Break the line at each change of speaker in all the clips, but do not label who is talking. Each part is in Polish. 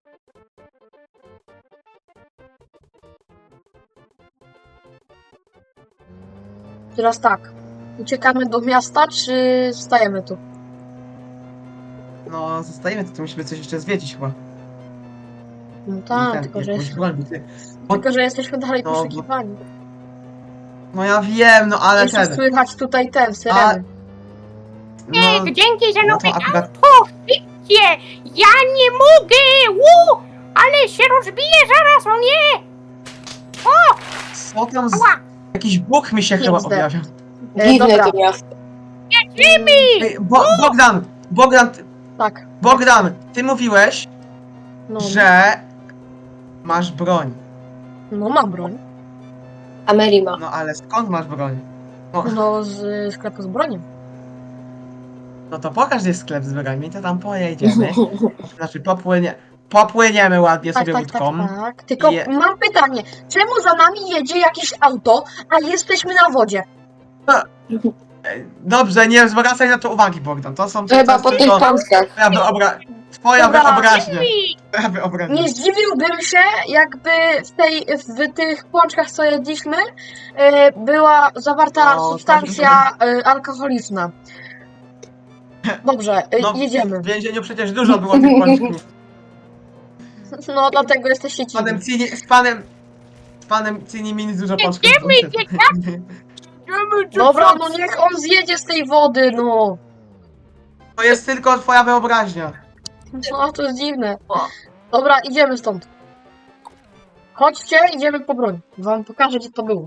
Teraz tak. Uciekamy do miasta, czy zostajemy tu?
No, zostajemy, to musimy coś jeszcze zwiedzić chyba.
No
I
tak, tylko że,
jakąś broń, bo ty...
tylko że jesteśmy dalej
No,
poszukiwani.
No ja wiem, no ale
Jeszcze
ten...
słychać tutaj ten, syreny.
No,
Dzięki za
no
nowe
to akurat...
auto! Szybcie! Ja nie mogę! Ale się rozbije zaraz, o nie!
Co tam z...
Ała!
Jakiś Bóg mi się chyba
XD.
objawia.
Dziwne
Dobra,
to miasto.
Ej,
tak.
Bogdan, ty mówiłeś,
No,
że masz broń.
no mam broń.
Ameri ma.
No ale skąd masz broń?
No z sklepu z bronią.
No to pokaż, gdzie jest sklep z broniami, to tam pojedziemy. Znaczy popłyniemy ładnie
Tak,
sobie
tak,
łódką.
tak. Tylko
Je-
mam pytanie. Czemu za nami jedzie jakieś auto, a jesteśmy na wodzie?
Dobrze, nie zwracaj na to uwagi, Bogdan. To są...
Chyba po tych pąskach.
Twoja
Dobra.
wyobraźnia. Twoja wyobraźnia.
Nie zdziwiłbym się, jakby w tych pączkach, co jedliśmy, była zawarta
No,
substancja alkoholiczna. Dobrze,
No,
jedziemy.
W więzieniu przecież dużo było tych pączków.
No, dlatego jesteście
Z panem
dziwni.
Cini... Z panem Cini Mini dużo pączków.
Dobra, no niech on zjedzie z tej wody, no.
To jest tylko twoja wyobraźnia.
No, to jest dziwne. Dobra, idziemy stąd. Chodźcie, idziemy po broń. Wam pokażę, gdzie to było.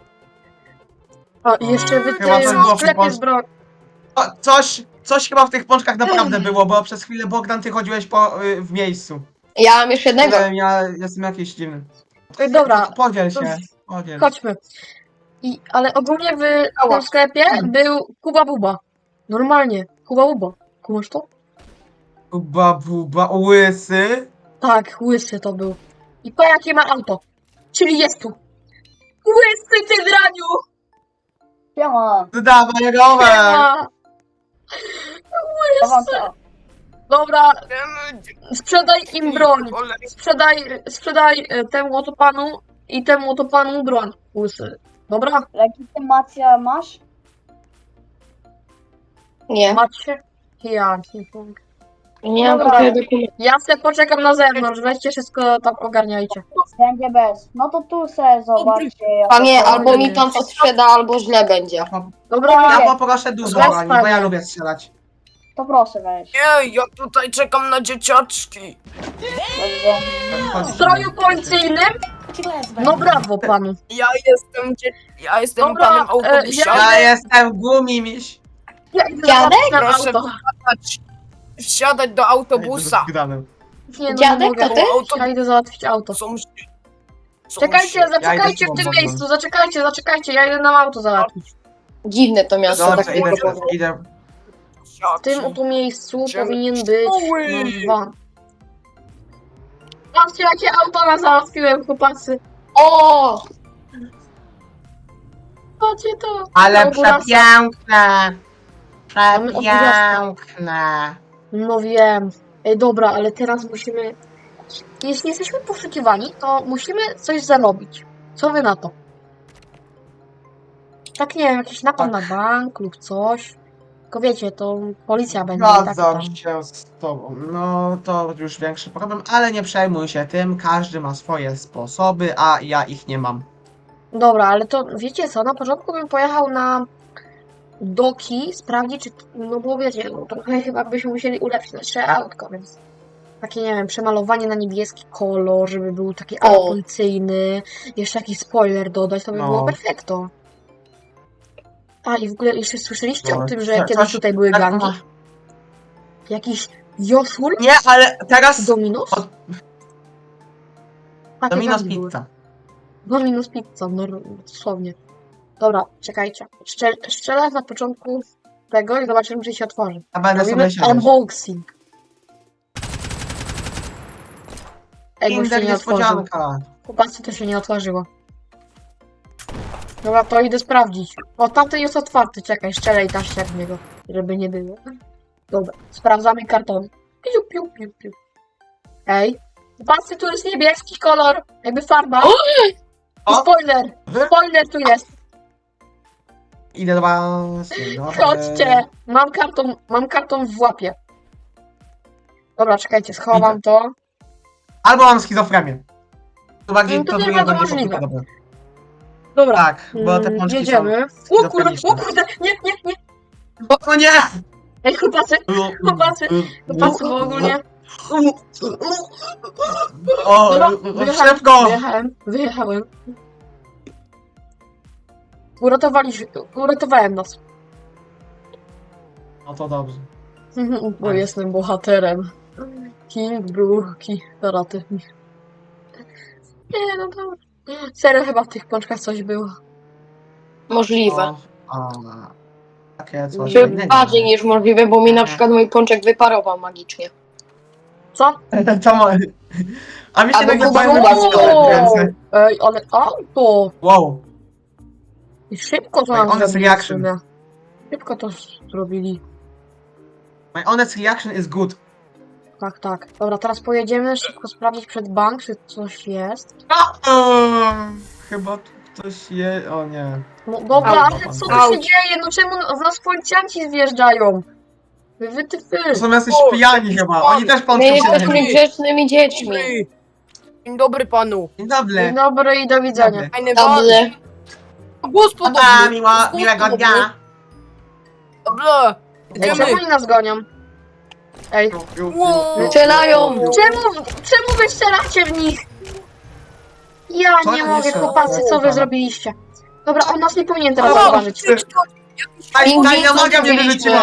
A, i jeszcze wy
Chyba
ty
tak było
w
w
sklepie
Polsce.
z broń.
O, coś chyba w tych pączkach naprawdę było, bo przez chwilę, Bogdan, ty chodziłeś w miejscu.
Ja mam jeszcze jednego.
Nie wiem, ja jestem jakiś dziwny.
Dobra,
Podziel się. Podziel.
chodźmy. Ale ogólnie w tym sklepie był Kuba Buba. Normalnie, Kuba Buba. Kumasz to?
Buba, łysy.
Tak, łysy to był. I pa jakie ma auto. Czyli jest tu. Łysy, ty draniu!
Siema,
Dawaj rower.
A,
co wam to?
dobra, sprzedaj im broń. Sprzedaj temu oto panu i temu oto panu broń. Łysy. Dobra?
Legitymacja masz?
Nie.
Macie? Ja nie mogę.
Nie mam
Dobra.
takiego dokumentu.
Ja se poczekam na zewnątrz, weźcie wszystko tam ogarniajcie.
Będzie bez. No to tu se zobaczcie. jak
Panie,
to
albo mi
jest.
pan to sprzeda, albo źle będzie.
Dobra,
Ja poproszę dużo
Weź,
broni, bo ja
panie.
lubię strzelać.
To proszę weź.
Nie, ja tutaj czekam na dzieciaczki.
Dobrze.
w stroju policyjnym? No brawo panu.
Ja jestem
Dobra,
panem autobusiarzem.
Ja jestem gumimiś.
Ja idę
Dziadek?
zobaczyć na
Proszę
auto.
wsiadać do autobusa.
Nie, no,
Dziadek,
nie mogę.
to ty?
Ja idę załatwić auto. Czekajcie, zaczekajcie w tym miejscu, zaczekajcie, ja idę na auto załatwić.
Dziwne to miasto.
Dobrze,
Tak
idę.
W tym oto miejscu
Idziemy.
powinien być
Stoły.
van. Patrzcie, jakie auto na załatwiłem, chłopacy.
O!
Patrzcie to.
Ale
Ambulans.
przepiękne.
Mamy
Przepiękne.
No wiem. Ej, dobra, ale teraz musimy... Jeśli jesteśmy poszukiwani, to musimy coś zarobić. Co wy na to? Tak nie wiem, jakiś napad na bank lub coś. Tylko wiecie, to policja będzie. i tak tam.
Zgadzam się z tobą. No to już większy problem, ale nie przejmuj się tym. Każdy ma swoje sposoby, a ja ich nie mam.
Dobra, ale to wiecie co, na początku bym pojechał na doki, sprawdzić, czy... No bo wiecie, no trochę chyba byśmy musieli ulepszyć nasze autko, więc... Takie, nie wiem, przemalowanie na niebieski kolor, żeby był taki
O.
policyjny, jeszcze jakiś spoiler dodać, to by
No.
było perfekto. A i w ogóle jeszcze słyszeliście
No,
o tym, że
coś-
kiedyś tutaj były gangi?
Tak,
Jakiś Joszul?
nie, ale teraz
Dominos?
Od-
Takie
Domino's
gangi były.
Pizza.
Dominos Pizza, no dosłownie. Dobra, czekajcie. Strzelę na początku tego i zobaczymy, czy się otworzy.
A będę
Robimy
sobie siedzieć.
unboxing. Ej, bo się
Kinder
nie otworzyło.
niespodzianka.
Chłopacy, to się nie otworzyło. Dobra, to idę sprawdzić. O, tamten jest otwarty, czekaj, strzelaj taścia w niego, żeby nie było. Dobra, sprawdzamy karton. Piu, piu, piu, piu. Ej, Patrzcie, tu jest niebieski kolor, jakby farba. I
O!
spoiler! Spoiler tu jest!
Idę do was. Dzień dobry.
Chodźcie! Mam karton w łapie. Dobra, czekajcie, schowam to.
Albo mam schizofrenię. To bardziej,
No to
to
nie
drugie
bardzo
bardziej
możliwe.
prawdopodobne.
Dobra,
Tak, bo te pączki
jedziemy.
są
O kurde, nie.
O nie!
Ej, chłopacy, chłopacy bo ogólnie...
O,
Dobra,
szybko!
Wyjechałem. Uratowałem nas.
No to dobrze.
Bo jestem bohaterem. King, bruki, karaty. Nie, no dobra. Serio, chyba w tych pączkach coś było.
Możliwe.
Takie coś
Czy
innego.
bardziej niż możliwe, bo mi na przykład mój pączek wyparował magicznie.
Co?
To mo- A mi się
Albo
nagle
Kuba
fajne
Kuba
miejsce
było.
w ręce.
Ej, ale auto!
Wow.
I szybko to
Ej,
nam
honest
zrobili.
reaction.
w sumie. Szybko to zrobili.
My honest reaction is good.
Tak, tak. Dobra, teraz pojedziemy szybko sprawdzić przed bank, czy coś jest.
Chyba tu ktoś je... O nie.
No dobra,
Auto.
ale co tu się
Auto.
dzieje? No czemu w nas policjanci zjeżdżają? Wy.
To są jacyś pijani chyba. Oni też
My
pączki się
jesteśmy
najedli.
grzecznymi dziećmi.
Dobry. Dzień dobry panu.
Dzień
Dzień
dobry.
dobry i do widzenia.
Fajny pan.
Dobrze.
Gospodarz.
Pa, miłego dnia.
Dobra.
Ej, czemu
Idziemy.
oni nas gonią? Ej,
Wow.
Strzelają.
czemu wy strzelacie w nich? Ja
Co
nie
ja
mogę,
jeszcze?
chłopacy, co wy
Dobra.
zrobiliście? Dobra, on nas nie powinien teraz
O,
zauważyć.
Tajna magia mnie wyrzuciła.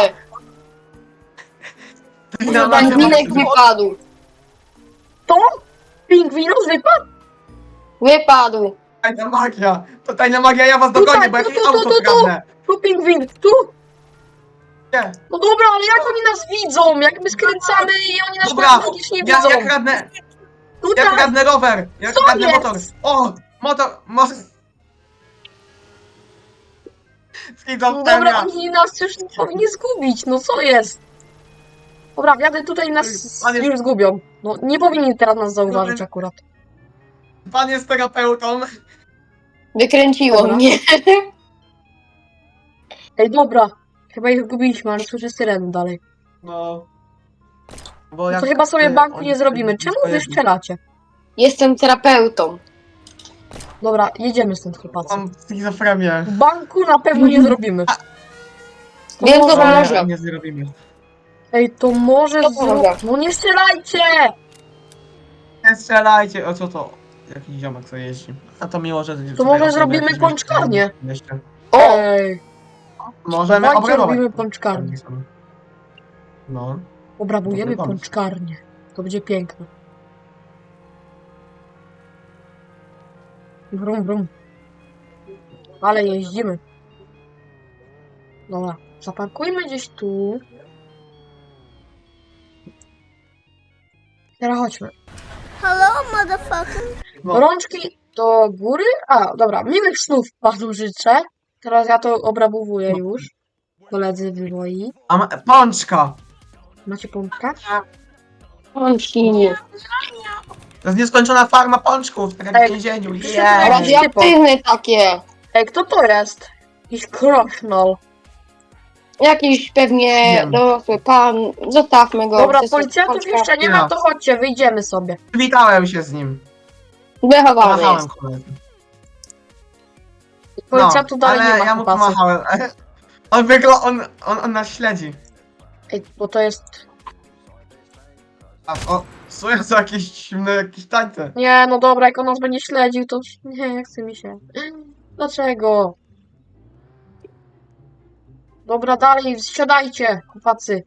Tajna magia mnie
Pingwinek
wyrzuciła.
wypadł.
To? Pingwinus wypadł?
Wypadł.
Tajna magia. To tajna magia, ja was dogonię, bo jakieś
tu,
auto
tu.
kradnę.
Tu pingwin, tu!
Nie.
No dobra, ale jak oni nas widzą? Jak my skręcamy i oni nas
Dobra,
magicznie
ja
widzą?
kradnę,
Tutaj!
ja kradnę rower. Ja
Co
kradnę
jest?
motor. O, motor.
No dobra, oni nas już powinni zgubić, no co jest? Dobra, jadę tutaj i nas
Pan jest-
już zgubią. No nie powinni teraz nas zauważyć akurat.
Pan jest terapeutą.
Wykręciło
Dobra.
mnie.
Ej, dobra, chyba ich zgubiliśmy, ale słyszę syrenę dalej.
No. Bo
No
jak
to chyba sobie
ty-
banku
oni
nie zrobimy.
tutaj
Czemu wy strzelacie?
Jestem terapeutą.
Dobra, jedziemy stąd, chłopacy.
Mam schizofrenię.
Banku na pewno nie zrobimy.
Wiem, co
może-
pomoże.
Nie zrobimy.
Ej, to może
To pomoże.
No nie strzelajcie!
Nie strzelajcie. O co to? Jakiś ziomek co jeździ. A to miło, że...
To może zrobimy pączkarnię.
O!
Ej,
Możemy
dawajcie
obrabować.
robimy pączkarnię.
No.
Obrabujemy
Dobry pomysł.
pączkarnię. To będzie piękne. Brum, brum. Ale jeździmy. Dobra, zaparkujmy gdzieś tu. Teraz chodźmy.
No.
Rączki do góry. A, dobra, miłych snów panu życzę. Teraz ja to obrabowuję już. Koledzy wywoi.
A pączka!
Macie pączka?
Pączki.
To jest nieskończona farma pączków, tak jak
Ej,
w więzieniu.
Ej.
Yeah.
Radioaktywne takie.
Ej, kto to jest? Jakiś krosznol.
Jakiś pewnie
Wiem.
dorosły pan. Zostawmy go.
Dobra,
To jest
policjantów
pączka.
jeszcze nie ma, to chodźcie, wyjdziemy sobie.
Przywitałem się z nim.
Wychowany
Pomachałem
jest.
koledze.
Policjantów dalej
ale
nie ma,
ja mu
chłopacy.
pomachałem. On nas śledzi.
Ej, bo to jest...
Są jakieś dziwne, jakieś tańce.
Nie, no dobra, jak on nas będzie śledził, to... Nie, chce mi się. Dlaczego? Dobra, dalej, wsiadajcie, chłopacy.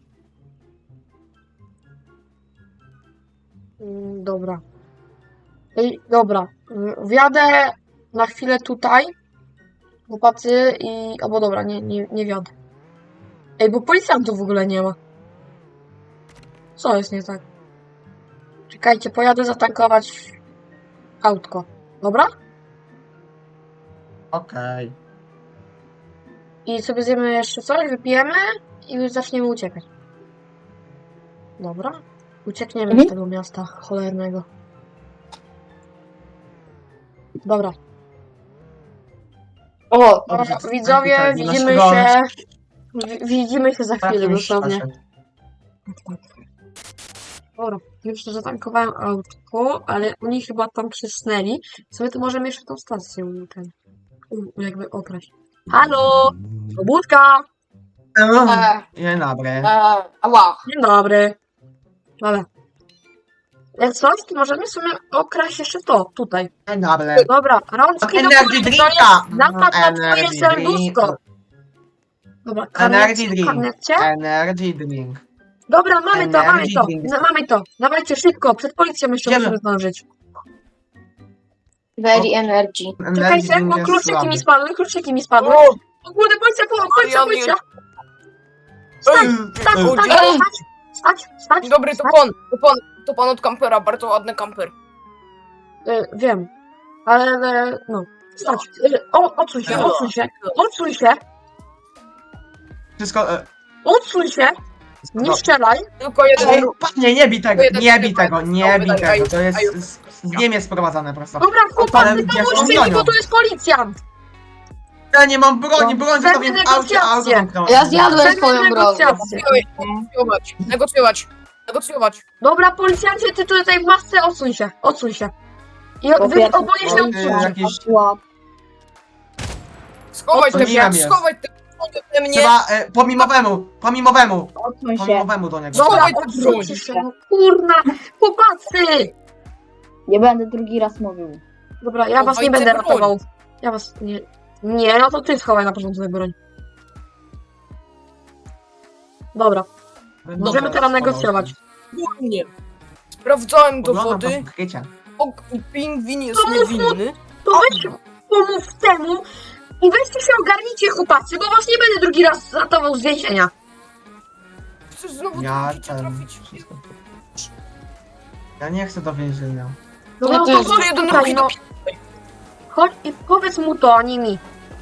Dobra. Ej, dobra. Wjadę na chwilę tutaj, chłopacy, i... Albo dobra, nie wjadę. Ej, bo policjantów w ogóle nie ma. Co jest nie tak? Czekajcie, pojadę zatankować autko. Dobra?
Okej.
I sobie zjemy jeszcze coś, wypijemy i już zaczniemy uciekać. Dobra. Uciekniemy z tego miasta cholernego. Dobra.
O,
Dobrze,
Widzowie,
tutaj
widzimy
naszego-
się. Widzimy się za
Tak,
chwilę
już
dosłownie.
przeszedł.
Dobra, już zatankowałem autko, ale oni chyba tam przysnęli. Sobie to możemy jeszcze tą stację jakby okraść. Halo! Pobudka!
Dzień dobry.
ała.
Dzień dobry. Dobra. Jak coś, to możemy sobie okraść jeszcze to, tutaj.
Dzień dobry.
Dobra, rączki do
Energy
góry, to
drinka!
jest napad na twoje
Energy
serduszko. Dobra,
Energy drink.
karnecie?
Energy drink.
Dobra, mamy to, mamy
Energy
to,
drink.
mamy to. Dawajcie szybko, przed policją jeszcze
Idziemy.
musimy zdążyć.
Very energy.
Energy
Czekajcie,
drink
bo
jest
kluczyki mi
słaby.
spadły.
O!
O kurde, policja,
Marian,
policja!
Ej,
Stać,
o,
stać,
dzień-
stać!
Dzień dobry,
stać.
to pan od kampera, bardzo ładny kamper.
Wiem, ale no, stać. Odsuń się, odsuń się,
Wszystko...
odsuń się! Nie strzelaj!
Tylko jeden
Ej,
ruch.
panie, nie bij tego,
Jeden
nie bij
tylko
tego,
jeden
nie
strzał
bij
wydaje.
tego. To jest
Aju.
z Niemiec sprowadzane prosto.
Dobra,
Ale
chłopacy,
gdzie są
pomóżcie mi,
bronią?
bo tu jest policjant!
Ja nie mam broni,
No,
broń zostawiłem w aucie, a auto
negocjacje.
zamknąłem.
Ja zjadłem
Chcemy
swoją broń.
negocjacje.
Negocjować.
Dobra, policjancie, ty tutaj w masce, odsuń się. I
Po
wy
pierwsze,
oboje się
policja-
odsuńcie.
jakieś-
Schowaj te
Odsuniłem
mnie,
jest.
schowaj te mnie.
Trzeba pomimowemu
Odsuń się.
do niego.
Dobra,
Schowaj tę
odsuńcie
broń.
się, no kurna, chłopacy!
Nie będę drugi raz mówił.
Dobra, ja was nie
Chowaj
będę
tę broń.
ratował. Ja was nie... Nie, no to ty schowaj na początku tę broń. Dobra, możemy teraz negocjować.
Nie. Sprawdzałem
Oglądam
dowody.
to wkrycie.
Pingwin jest
To mów mu-
niewinny.
To weź pomów temu i weźcie się ogarnijcie, chłopacy, bo was nie będę drugi raz ratował z więzienia.
Chcesz znowu
Ja
do
ten...
trafić?
wszystko. Ja nie chcę do więzienia.
Dobra,
No
no
to
to
jest
chodź
jeden
tutaj,
ruch i
no. Chodź i powiedz mu to, a nie mi.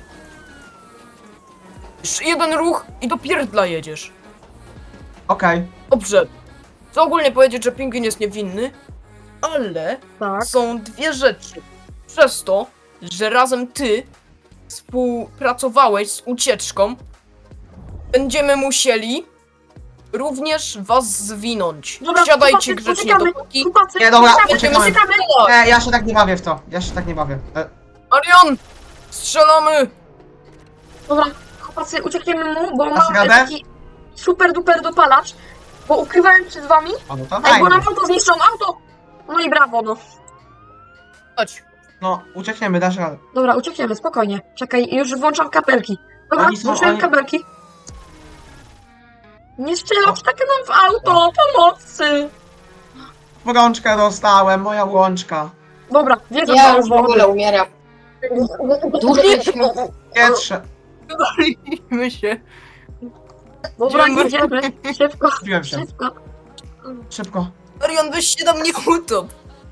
Jeszcze jeden ruch i do pierdla jedziesz.
Okej.
Dobrze. Chcę ogólnie powiedzieć, że pingwin jest niewinny, ale
Tak.
są dwie rzeczy. Przez to, że razem ty współpracowałeś z ucieczką, będziemy musieli również was zwinąć.
Dobra,
Siadajcie
chłopacy,
grzecznie
poczekamy.
dopóki...
Chłopacy,
Nie, dobra,
uciekamy,
uciekamy.
uciekamy.
Ja się tak nie bawię w to.
Marian! Strzelamy!
Dobra, chłopacy, uciekniemy mu, bo
Dasz
mam
radę?
taki super duper dopalacz, bo ukrywałem przed wami.
O, no to
Ej, bo
fajnie.
nam auto zniszczą, auto! No i brawo, no.
Chodź.
No, uciekniemy, dasz radę.
Dobra, uciekniemy, spokojnie. Czekaj, już włączam kabelki. Dobra,
Oni są-
włączyłem
oni-
kabelki. Nie strzelać tak nam w auto, pomocy!
Łączkę dostałem, moja łączka.
Dobra, wjeżdżam
Ja
do
już w ogóle umieram. Duszmy.
Pietrze.
Bawimy się.
Dobra,
Idziemy.
jedziemy. Szybko,
Zbiłem się.
szybko.
Szybko.
Marian, weź się na mnie utop.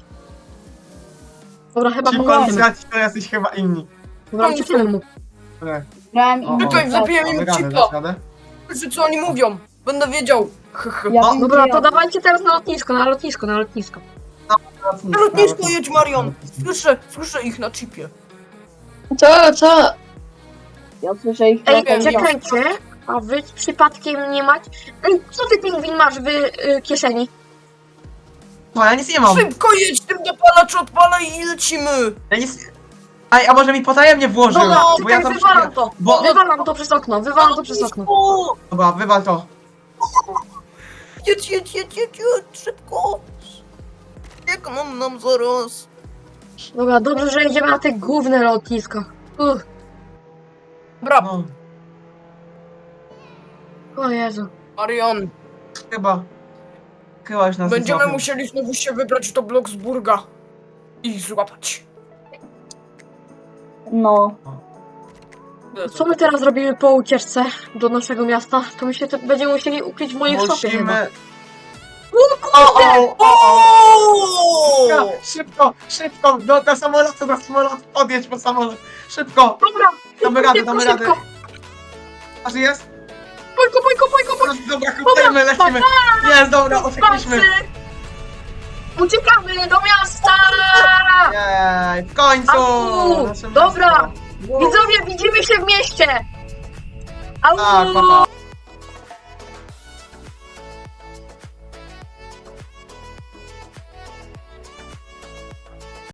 Dobra, chyba
Szybko,
pomożemy.
Lucjaci, to jesteś chyba inni.
Dobra, uciekniemy mu.
Dobra.
Grałem
O,
i
Czekaj, zabiłem im
Damy radę,
chipa.
dasz radę?
Że co oni mówią? Będę wiedział.
Ja
O,
wiem,
Dobra,
gdzie
to
ja-
dawajcie teraz na lotnisko, na lotnisko, na lotnisko.
Na lotnisko jedź, Marian. Słyszę ich na chipie.
Co?
Ja słyszę ich.
Ej,
wiem,
czekajcie, a wy przypadkiem nie macie... Ej, co ty, pingwin, masz w kieszeni?
No, ja nic nie mam.
Szybko jedź, tym dopalacz odpalaj i lecimy.
Ja nic... Ej, a może mi potajemnie włożył?
Dobra,
Bo ja
czekaj,
to...
wywalam to.
Bo...
Wywalam to przez okno, wywalam to przez okno.
O,
Dobra, wywal to.
jedź, szybko. Jak nam zaraz.
Dobra, dobrze, że jedziemy na te główne lotnisko.
Dobra,
No,
O Jezu.
Marian,
chyba... Chyba już nas
będziemy
złapią.
musieli znowu się wybrać do Bloksburga i ich złapać.
No.
Co my teraz robimy po ucieczce do naszego miasta? To my się będziemy musieli ukryć w moim szopie chyba.
Musimy...
O
O!
Szybko, do samolotu, odjedź po samolot. Szybko,
Dobra,
damy radę,
szybko,
damy radę.
szybko.
A że jest?
Pojko.
Dobra, lecimy. Jest, dobra, uciekliśmy.
Patrzcie, Uciekamy do miasta!
Jej, w końcu!
Au!
Nasze
Dobra.
miasto.
Widzowie, widzimy się w mieście! Au!
Tak, papa.